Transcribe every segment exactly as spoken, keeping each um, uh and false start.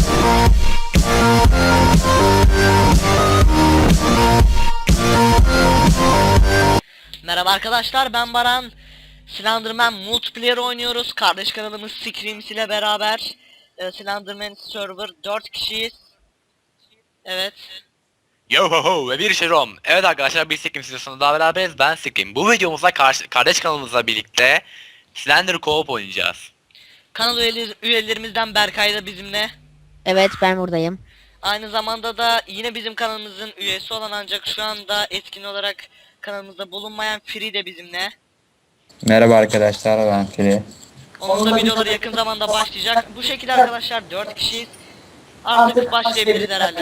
Merhaba arkadaşlar, ben Baran. Slenderman Multiplayer oynuyoruz. Kardeş kanalımız Screams ile beraber. e, Slenderman Server dört kişiyiz. Evet. Yo ho ho ve bir Şerom. Evet arkadaşlar, bir Scream videosunda daha beraberiz. Ben Scream. Bu videomuzda karşı, kardeş kanalımızla birlikte Slender Co-op oynayacağız. Kanal üyeler, üyelerimizden Berkay da bizimle. Evet, ben buradayım. Aynı zamanda da yine bizim kanalımızın üyesi olan ancak şu anda etkin olarak kanalımızda bulunmayan Free de bizimle. Merhaba arkadaşlar, ben Fili. Onun da videoları yakın zamanda başlayacak. Bu şekilde arkadaşlar dört kişiyiz. Artık başlayabiliriz herhalde.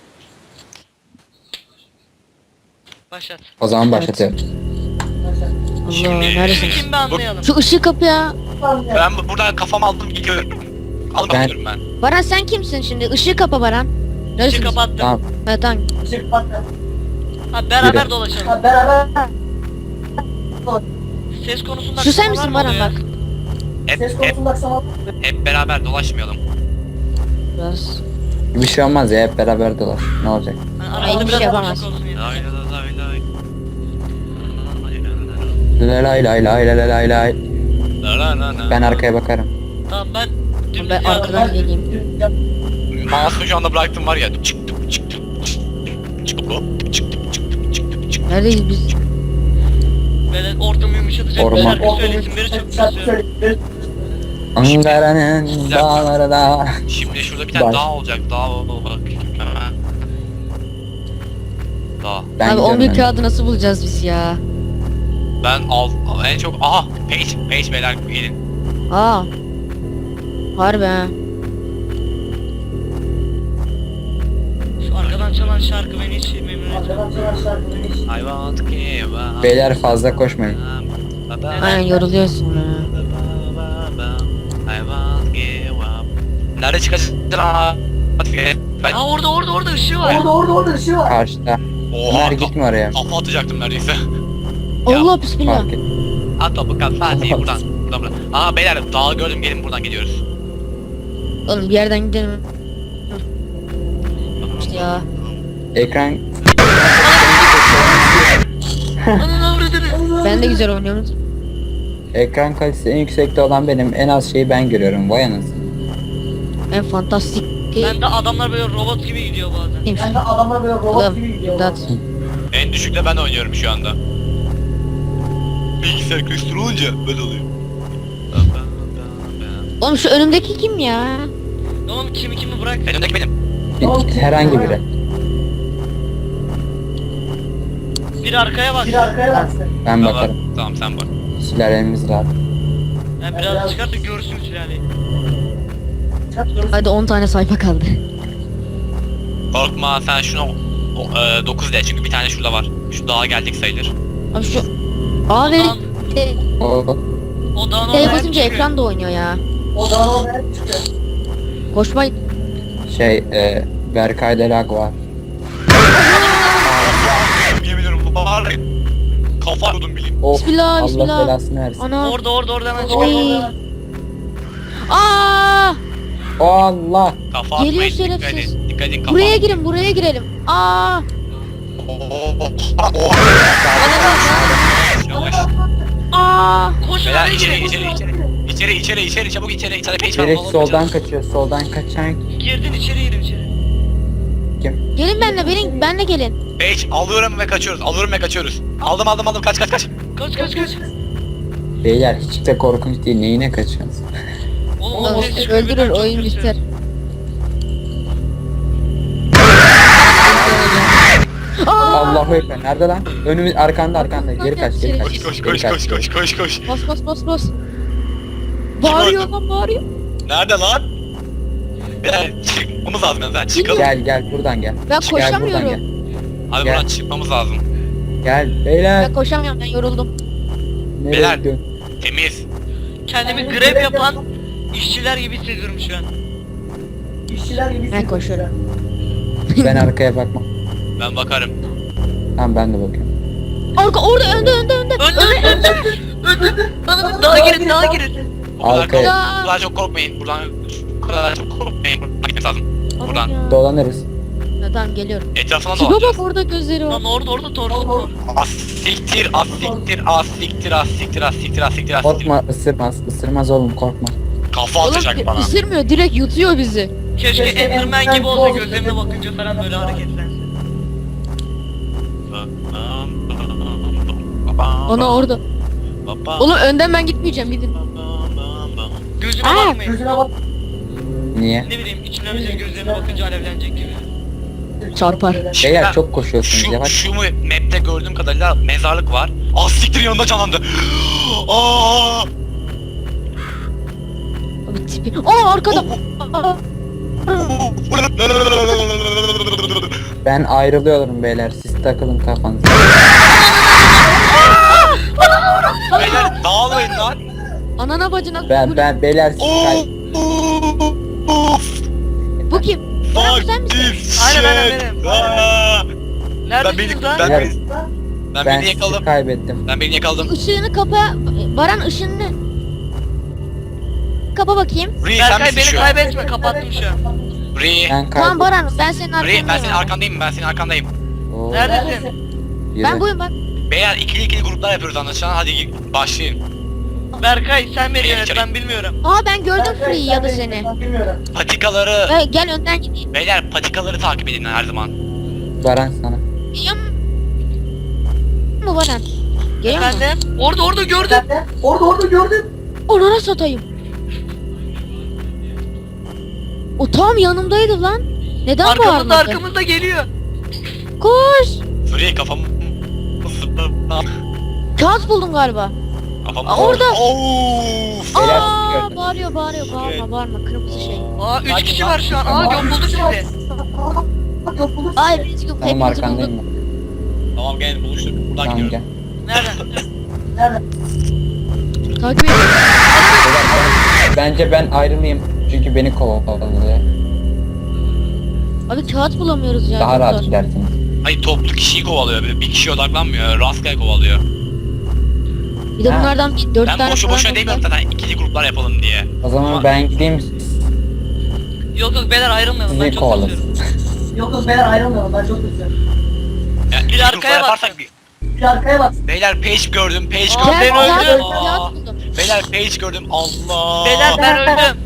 Başlat. O zaman başlatıyorum. Allah, Şimdi- neredesin? Kim bir anlayalım. Şu ışığı kapı ya. Ben bu- buradan kafamı aldım gidiyorum. Alıp Ben- gidiyorum ben. Baran sen kimsin şimdi? Işığı kapa Baran. Işığı Neresin? kapattım. Tamam. Evet, tamam. Ha, beraber Yürü. dolaşalım. Ses konusunda Şu sen aksamalar misin mı Baran oluyor? bak. Hep, hep, hep beraber dolaşmayalım. Biraz. Bir şey olmaz ya, hep beraber dolaş. Ne olacak? Ha, Ay, arada bir biraz şey boşluk yapamaz. olsun yeter. Lay lay lay lay. Lay lay lay lay lay lay lay. La la la la. Ben arkaya bakarım. Tamam, ben dümdüz Ben arkadan geleyim. Mouse'u şu anda bıraktım var ya. Çıktım çıktım çıktım çıktım çıktım çıktım çıktım. Neredeyiz biz? böyle ortamı yumuşatacak bir Orman. şarkı söylesinleri çok istiyorum. Ankara'nın dağları da. Şimdi şurada bir tane Baş. dağ olacak. Dağ ol bak. Hemen. Dağ. Ben Abi on bir gidiyorum kağıdı nasıl bulacağız biz ya? Ben al en çok aha page page beyler gelin. Aa. Harbi ha. Şu arkadan çalan şarkı beni hiç memnun etmiyor. I want to give up. Beyler fazla koşmayın. Aynen, yoruluyorsun ya. I want to give up. Nerede çıkacaksın? Ben Ha, orada orada orada ışığı var. Karşıda. oha Ömer ka- gitme oraya. kafa atacaktım neredeyse. Allah bismillah. Fark et. At topu kat Fatih buradan. Buradan buradan. Aha beyler dağı gördüm, gelin buradan gidiyoruz. Oğlum bir yerden gidelim. İşte ya. Ekran Ananı avradını. Ben de güzel oynuyorum. ekran kalitesi en yüksekte olan benim. En az şeyi ben görüyorum. Vay anasını. En fantastik. Ben de adamlar böyle robot gibi gidiyor bazen. Ben de adamlar böyle robot gibi gidiyor. En düşükte ben oynuyorum şu anda. Bilgisayar köstür olunca böyle oluyor. Oğlum şu önümdeki kim ya? Oğlum kimi kimi bırak. Önümdeki benim. Bir- Herhangi biri. Bir arkaya bak. Ben Tamam, bakarım. tamam sen bak. Sülalemiz rahat. Yani biraz çıkart da görsün sülaleyi. Hadi on tane sayfa kaldı. Korkma sen şunu o, e, dokuz de çünkü bir tane şurada var. Şu dağa geldik sayılır. Abi şu Abi Dağın- O O dağın T oraya basınca çıkıyor. ekran da oynuyor ya. Koşmayın. şey e, Berkay'da lag var. Yemin ediyorum bu var ya. Kafa vurdum bileyim. Of, Bismillah, Allah bismillah. belasını versin. Ana. Orada orada orada hemen Oy. çıkıyor. Aa! Allah. Kafa Geliyor atmayın, dikkat şerefsiz. edin. Dikkat edin kafa. Buraya girin, buraya girelim. Aa! Yavaş. Aa! Koşun Beyler hadi içeri girin. içeri içeri. İçeri içeri içeri çabuk içeri. İçeri page var. Herif oğlum, soldan içeri. kaçıyor. Soldan kaçan Girdin içeri girin içeri. kim? Gelin benimle, benim benle gelin. Page alıyorum ve kaçıyoruz. Alıyorum ve kaçıyoruz. Aldım aldım aldım kaç kaç kaç. Kaç kaç kaç. Beyler hiç de korkunç değil. Neyine kaçıyorsunuz? Oğlum Oğlum, o ses çıkıyor, öldürür, birden çok oyun kötü. biter. Aa! Allahu ekber. Nerede lan? Önümüz arkanda arkanda. Geri kaç, geri kaç. Koş koş geri koş kaç. koş koş koş koş. Bas bas bas bas. Bağırıyor lan, bağırıyor. Nerede lan? Beyler çıkmamız lazım yani. Çıkalım. Gel gel buradan gel. Ben Gel buradan koşamıyorum. gel. Abi Gel. buradan çıkmamız lazım. Gel beyler. Ben koşamıyorum, ben yoruldum. Nereye Beyler. gidiyorsun? Temiz. Kendimi grev yapan işçiler gibi hissediyorum şu an. Ben koşuyorum. Ben arkaya bakmam. Ben bakarım. Tamam ben de bakıyorum. Arka orada, önde önde önde. Önde önde önde. Önde. Ananı daha girin daha girin. O kadar, Arkaya. kork- bu kadar çok korkmayın. Buradan bu kadar çok korkmayın. Buradan gitmemiz lazım. Aman Buradan. ya. Dolanırız. Ha, tamam geliyorum. Etrafına Tipe dolanacağız. bak orada gözleri var. Lan orada orada torsun var. Az siktir, az siktir, az siktir, az siktir, az siktir, az siktir, az siktir. Korkma, ısırmaz. Isırmaz oğlum, korkma. Kafa Oğlum atacak bana. ısırmıyor, direkt yutuyor bizi. Keşke Enderman gibi olsa, gözlerine bakınca falan böyle hareketlense. Ana orada. Oğlum önden ben gitmeyeceğim, gidin. Gözüne Aa, bakmayın. Niye? Ne bileyim, içine bize gözlerine bakınca alevlenecek gibi. Çarpar. Beyler çok koşuyorsunuz, Şu, yavaş. şu mu map'te gördüğüm kadarıyla mezarlık var. Az siktir yanında canlandı. Aa! Abi tipi. Aa arkada. Aa, Ben ayrılıyorum beyler, siz takılın kafanıza. Beyler dağılmayın lan. anana bacına. Ben bu, ben beyler siz kay... bu kim? Baran Fuck sen misin? this Aynen, aynen, shit. benim. Aa! Ben Neredesiniz beni lan? ben Beyler, beni ben ben beni sizi yakaladım. kaybettim. Ben beni yakaladım. Işığını kapa. Baran ışığını. Kapa bakayım. Ree sen Berkay misin beni şu an? kaybetme, kapattım şu an. Ree. Ben Tamam kaybettim. Baran, ben senin Ree ben senin arkandayım. arkandayım ben senin arkandayım. Oo, Neredesin? yürü. Ben buyum bak. Beyler ikili ikili gruplar yapıyoruz anlaşılan. Hadi gir- başlayın. Berkay sen beni Beni yönet, içeri- ben bilmiyorum. Aa ben gördüm Free ya da seni. Patikaları Hey, gel önden gideyim. beyler patikaları takip edin her zaman. Baran sana. Geliyor mu Baran? Geliyor mu? Efendim? Orada orada gördüm. Onlara satayım. O tam yanımdaydı lan. Neden Arkamızda bağırmadı? arkamızda geliyor. Koş. Ree kafam Kağıt buldum galiba. kafam. Aa, orada. Of. Beyler, Aa gördüm. bağırıyor bağırıyor bağırma bağırma kırmızı şey. Aa üç Hadi kişi lan. var şu an. Aa yok bulduk sizi. Ay hepiniz yok Benim hepinizi arkandayım buldum. ben. Tamam gel buluştuk. Buradan Tamam gidiyoruz. gel. Nereden? Takip edin. Beyler, ben- Bence ben ayrılayım. Çünkü beni kovalıyor. Abi kağıt bulamıyoruz ya. Daha çok rahat zor. gidersiniz. Hayır toplu kişiyi kovalıyor. Böyle bir kişiye odaklanmıyor. Rastgele kovalıyor. Bir de Ha. bunlardan bir dört Ben tane boşu falan boşuna buldular. demiyorum zaten ikili gruplar yapalım diye. O zaman Ama- ben gideyim, Yok yok beyler ayrılmayalım, ben sizi çok kovalasın. basıyorum. Yok yok beyler ayrılmayalım, ben çok üzüldüm. Ya, ikili arkaya gruplar yaparsak baksın. bir- Bir arkaya bak. Beyler page gördüm, page Aa, gördüm. ben Kağıt- öldüm. kağıt- Kağıt buldum. Beyler page gördüm. Allah. Beyler ben öldüm.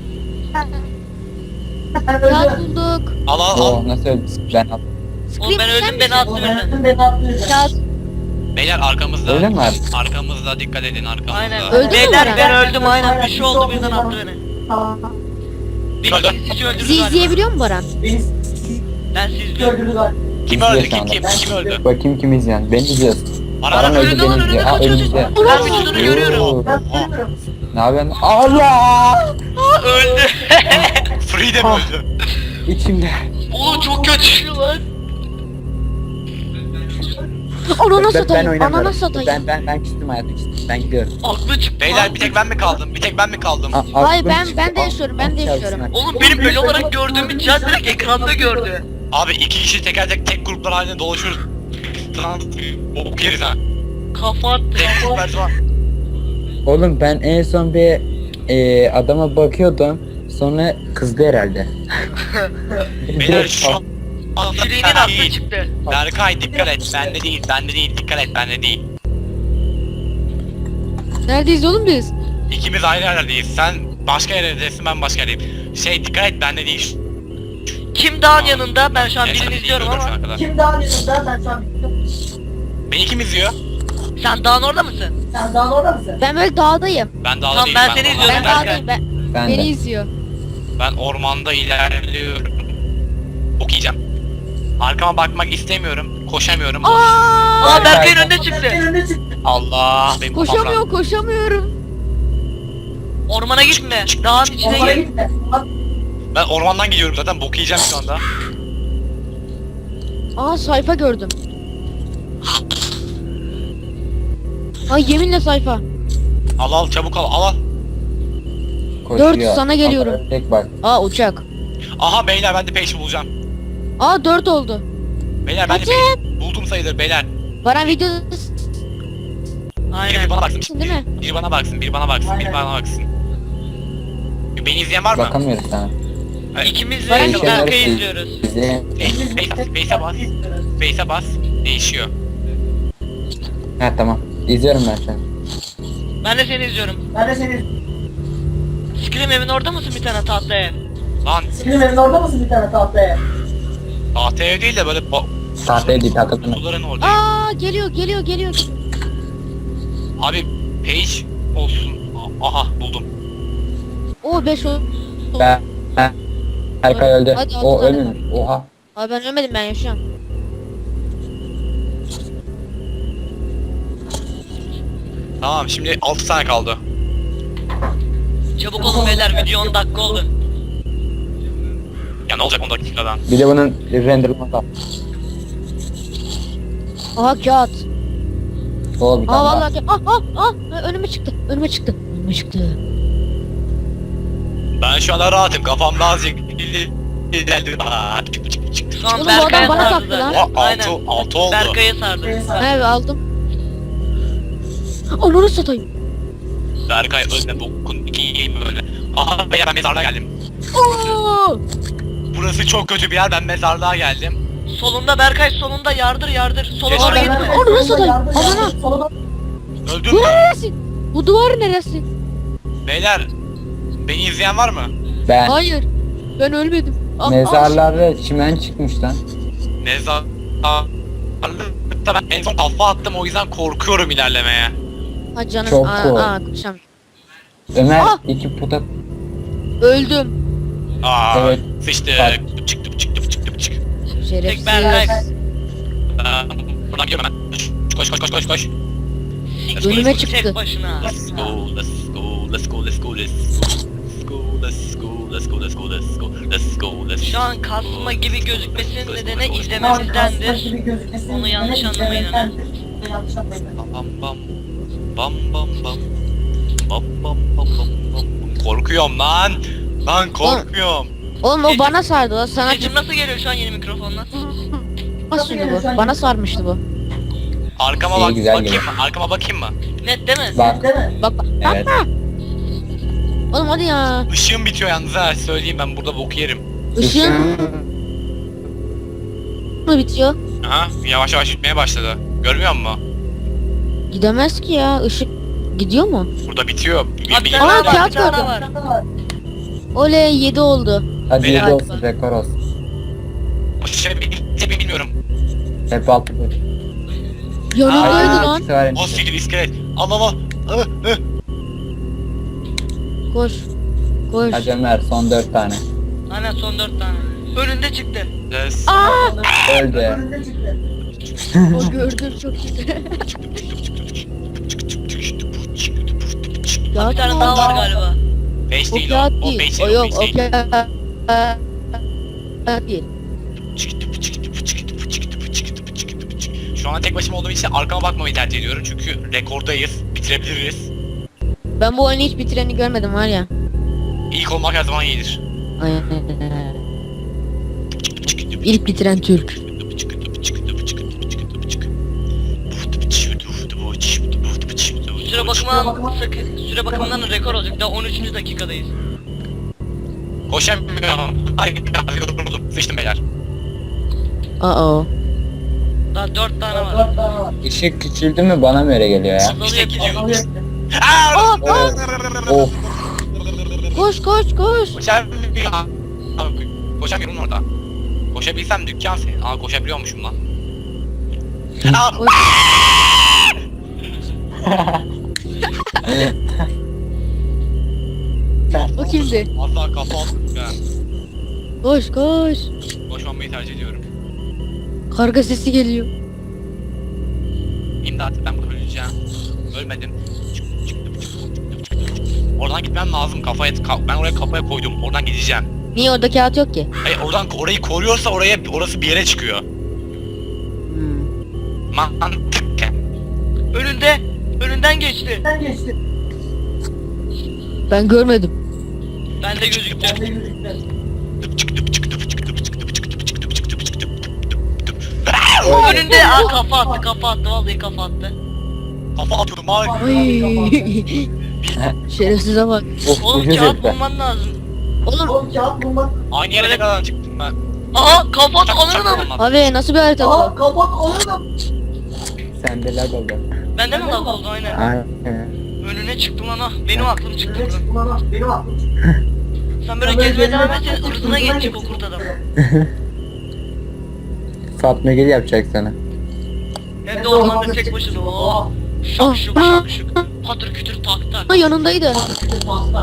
Ben Kağıt öldüm. bulduk. Al al al. Oo, nasıl öldün? Ben attım. Oğlum ben Scream, öldüm, sen beni misin? attı O ben birden. öldüm, beni atmayacak. Kağıt. Beyler arkamızda. Öyle mi abi? Arkamızda dikkat edin arkamızda. Aynen. Öldün mü Beyler Baran? ben öldüm aynen. Bir şey oldu birden attı beni. Tamam. Bir Öldü. kişi öldürdü Bizi galiba. izleyebiliyor mu Baran? Beni Ben sizi izliyorum. gördünüz galiba. Kim İzliyor öldü? şu Kim anda. kim? Kim öldü? Bakayım kim izleyen. Beni izliyorsun. Baran Baran önünde öldü, lan, beni önünde izliyor. Aa, kaçıyor, önümüzde. kaçıyor. Ben vücudunu görüyorum. Ben görüyorum. Ne yapıyorsun? Allah! Öldü. Free de mi Ah. öldü? İçimde. Oğlum çok kötü lan. Anana Ben, ben satayım. Anana oynamıyorum. satayım. Ben ben ben küstüm hayatım küstüm. Ben gidiyorum. Aklı çıktı. Beyler bir tek ben mi kaldım? Bir tek ben mi kaldım? A- Hayır, aklım ben- çıktı. ben de yaşıyorum, ben de Allah yaşıyorum. çarpsın. Oğlum benim böyle olarak gördüğümü Can direkt ekranda gördü. Abi iki kişi teker tek tek gruplar halinde dolaşıyoruz. Lan bok yeriz ha. Kafa attı. Tek gruplar var. Oğlum ben en son bir e, adama bakıyordum. Sonra kızdı herhalde. Beyler şu an... Freen'in aklı çıktı. Berkay dikkat et. Bende değil, bende değil. Dikkat et, bende değil. Neredeyiz oğlum biz? İkimiz ayrı yerlerdeyiz. Sen başka yerdesin, ben başka yerdeyim. Şey dikkat et, bende değil. Kim dağın yanında? Ben şu an Yaşar birini değil, izliyorum öldür ama. şu ana kadar. Kim daha yanında, ben şu an bilmiyorum. Beni kim izliyor? Sen dağın orada mısın? Sen daha orada mısın? Ben böyle dağdayım. Ben dağda Tamam, değilim. ben seni ormanda- izliyorum, Ben Berkay. dağdayım. Ben, Ben beni de. izliyor. Ben ormanda ilerliyorum. Okuyacağım. Arkama bakmak istemiyorum. Koşamıyorum. Aa! Aa Berkay'ın Berkay. önüne çıktı. Senin önüne çıktı. Allah benim kafam rahat. Koşamıyor koşamıyorum. Ormana gitme. Dağın içine Onlara gir. gitme. Bak, Ben ormandan gidiyorum zaten. Bok yiyeceğim şu anda. Aa sayfa gördüm. Ay yeminle sayfa. Al al çabuk al al al. Koşuyor. Dört, sana geliyorum. Ama tek bak. Aa uçak. Aha beyler ben de peşi bulacağım. Aa dört oldu. Beyler ben de Kaçın. peşi buldum sayılır beyler. Baran videosun Biri Aynen. bana baksın. değil mi? Biri bana baksın. Biri bana baksın. Biri Aynen. bana baksın. Beni izleyen var mı? Bakamıyoruz sana. İkimiz de Ben- Berkay'ı izliyoruz. Bizi... Face'e bas. Face'e bas. Değişiyor. Ha tamam. İzliyorum ben seni. Ben de seni izliyorum. Ben de seni... Scream evin orada mısın bir tane tatlı ev? Lan Senin evin orada mısın bir tane tahtaya? tahtaya değil de böyle ba- Tahtaya değil takıldım. kutuların orada. Aa geliyor geliyor geliyor. Abi page olsun. A- Aha buldum. O beş o. Ben... ben... Erkay öldü. Hadi, altı O tane ölmüş. Oha. Abi ben ölmedim, ben yaşıyorum. Tamam şimdi altı tane kaldı. Çabuk olun beyler, video on dakika oldu. Ya ne olacak on dakikadan? Bir de bunun renderlaması var. Aha kağıt. O bir tane Aa daha. vallahi ah ah ah önüme çıktı. Önüme çıktı. Önüme çıktı. Ben şu anda rahatım. Kafamda azıcık ilerledi. Aa, çık, çık, çık. Şu an Oğlum, bu adam Berkay'a bana sardı taktı lan. da. Oha, Aynen. altı, altı oldu. Berkay'a sardı. Evet aldım. Ananı satayım. Berkay önüne bokun iki yiyeyim böyle. Aha beyler ben mezarlığa geldim. Oo! Burası çok kötü bir yer, ben mezarlığa geldim. Solunda Berkay, solunda yardır yardır. Sola Geç. doğru Aa, gitme. Onu nasıl atayım? Yardım, Amına. yardım, sola doğru. Öldüm Bu mü? neresi? Bu duvar neresi? Beyler, beni izleyen var mı? Ben Hayır. Ben ölmedim. Ah, mezarlarda çimen çıkmış lan. Mezarlıkta ben en son kafa attım, o yüzden korkuyorum ilerlemeye. ah. Ha canım. Çok aa, cool. aa, konuşam. Ömer Ah! iki puta... Öldüm. Aa, Evet. sıçtık. Bak. Çıktı çıktı çıktı çıktı. Şerefsiz. Berkay. Buradan gidiyorum hemen. Koş koş koş koş koş. Önüme Tek çıktı. başına. Let's go, let's go, let's go, let's go, let's go, let's go, let's go, let's go, let's go, let's go, let's Şu an kasma gibi gözükmesinin nedeni izlememizdendir. Onu yanlış anlamayın hemen. Yanlış anlamayın. Bam bam bam bam bam bam bam bam bam bam. Korkuyorum lan. Lan korkuyorum. Oğlum o bana sardı. O sana Seçim nasıl geliyor şu an yeni mikrofonla? nasıl bu? Bana sarmıştı bu. Arkama İyi, bak, güzel bakayım geliyor. mı? Arkama bakayım mı? Net değil mi? Bak. Değil mi? Bak bak. Evet. Oğlum hadi ya. Işığım bitiyor yalnız ha, söyleyeyim ben burada bok yerim. Işığın mı bitiyor? Aha, yavaş yavaş bitmeye başladı. Görmüyor musun? Gidemez ki ya. Işık gidiyor mu? Burada bitiyor. Bir, Abi bir- bir tane Aa, daha var, kağıt bir tane daha gördüm. var. Oley yedi oldu. Hadi Beyler. yedi olsun, rekor olsun. şey bir bilmiyorum. Hep altı. Yanımdaydı Aa, lan. O siktir iskelet. Al al al. Hı, hı. Koş. Koş. Hadi Ömer son dört tane. Aynen son dört tane. Önünde çıktı. Yes. Aa! Öldü. Önünde çıktı. O gördüm çok güzel. Bir Kağıt tane mı daha o? var galiba. Beş O değil o. kağıt O değil. beş O değil. yok beş o değil. kağıt değil. Şu an tek başıma olduğum için arkama bakmamayı tercih ediyorum çünkü rekordayız, bitirebiliriz. Ben bu oyunu hiç bitireni görmedim var ya. İlk olmak her zaman iyidir. Aynen. İlk bitiren Türk. Süre bakımından sakın. Süre bakımından rekor olacak. Daha on üçüncü dakikadayız. Koşamıyorum. Ay yoruldum. Sıçtım beyler. Aa. Daha dört tane var. Dört tane var. Işık küçüldü mü bana mı öyle geliyor ya? Azalıyor İşte gidiyor. gidiyor. Alıyor. Aa! Of. Koş koş koş. Koşamıyorum. Koşamıyorum orada. Koşabilsem dükkan senin. Aa koşabiliyormuşum lan. Aa! Koş. O kimdi? Asla kafa atmıyorum ya. Koş koş. Koşmamayı tercih ediyorum. Karga sesi geliyor. İmdat ben burada öleceğim. Ölmedim. Çık, çıktım, çıktım, çıktım, çıktım. Oradan gitmem lazım. Kafaya ka- ben oraya kafaya koydum. Oradan gideceğim. Niye orada kağıt yok ki? Hayır oradan orayı koruyorsa oraya orası bir yere çıkıyor. Hmm. Mantık. Önünde. Önünden geçti. Sen geçti. Ben görmedim. Bende gözüktü. Ben de yürüdüm. Önünde. Aa kafa attı, kafa attı. Vallahi kafa attı. Kafa atıyordum abi. Ay. Şerefsize bak. Of Oğlum ucuz kağıt herifler. bulman lazım. Oğlum Oğlum kağıt bulmak. Aynı yere ne kadar çıktım ben. Aha kapat Çak- alırım. çaktırmam. abi nasıl bir harita Aa bu? kapat onu. Sende lag oldu. Bende mi lag oldu aynen. Aynen. Önüne çıktım lan ha. Benim aklım çıktı Ne buradan. çıktı lan? Benim aklım. Sen böyle gezmeye devam et senin ırzına geçecek o kurt adam. Fatma Gül yapacak sana. Hem de ormanda tek başına. Oh. Şak şuk şak şuk. Patır kütür tak tak. Ha, yanındaydı. Paslar.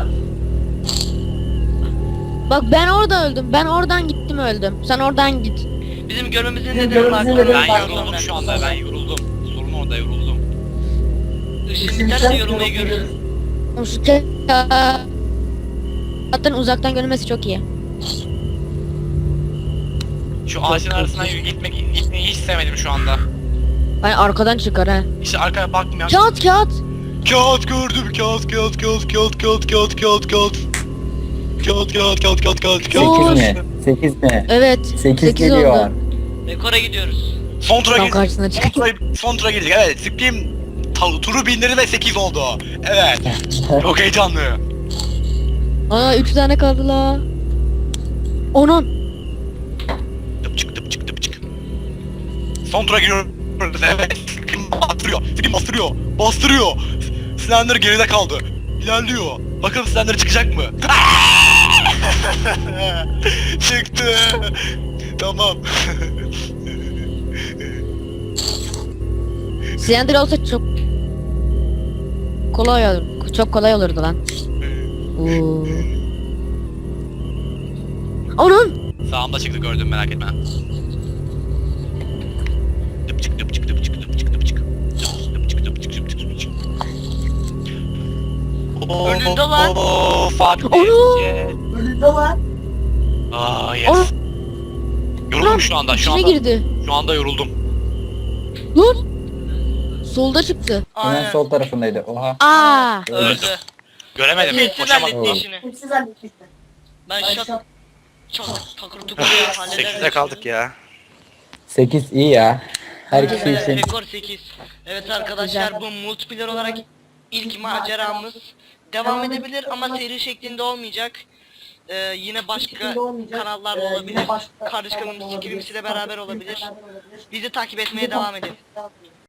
Bak ben orada öldüm. Ben oradan gittim öldüm. Sen oradan git. Bizim görmemizin Bizim nedeni görmemizin farklı. nedeni Ben farklı. yoruldum şu anda, ben yoruldum. Sorun orada, yoruldum. Işın biterse yorulmayı görürüz. Oğlum şu Zaten uzaktan görünmesi çok iyi. Şu ağacın arasından gitmek, gitmeyi hiç sevmedim şu anda. Hani arkadan çıkar ha. İşte arkaya bakmıyorum. Kağıt kağıt. Kağıt gördüm, kağıt, kağıt, kağıt, kağıt, kağıt, kağıt, kağıt, kağıt. Kağıt, kağıt, kağıt, kağıt, kağıt, kağıt. Oo. sekiz mi? sekiz mi? Evet. sekiz sekiz geliyor. oldu. Rekora gidiyoruz. Son tura Tam girdik. karşısına Son çık. tura, son tura girdik. Evet, Scream ta- turu bindirdi ve sekiz oldu. Evet. Çok heyecanlı. Aa üç tane kaldı la. Onun. Tıpçık tıpçık tıpçık. Son tura giriyoruz. Evet. Scream bastırıyor. Scream bastırıyor. Bastırıyor. Slender geride kaldı. İlerliyor. Bakalım Slender çıkacak mı? Çıktı. Tamam. Slender olsa çok kolay olur. Çok kolay olurdu lan. Oo. Onun. Sağımda çıktı, gördüm, merak etme. Tıpçık tıpçık tıpçık tıpçık tıpçık. Tıpçık tıpçık tıpçık tıpçık. Önünde lan. Oo, fuck Onu. this. Önünde lan. Aa, yes. Onun. Yoruldum şu anda, şu İçine anda. girdi. Şu anda yoruldum. Lan. Solda çıktı. Hemen Aynen. sol tarafındaydı. Oha. Aa. Öldü. Göremedim, Sessiz koşamadım. halletti işini. Hepsi zannetmişti. Ben Ay, şat şat. çat takır tukur ya hallederim. sekizde kaldık ya. sekiz iyi ya. Her kişi Evet, için. rekor sekiz. Evet arkadaşlar bu multiplayer olarak ilk maceramız devam edebilir ama seri şeklinde olmayacak. Ee, yine başka Şeklinde olmayacak. kanallarda Ee, yine olabilir. başka Kardeş kanallarda kanalımız olabilir. Skrims'i ile beraber olabilir. Beraber olabilir. Bizi takip etmeye devam edin.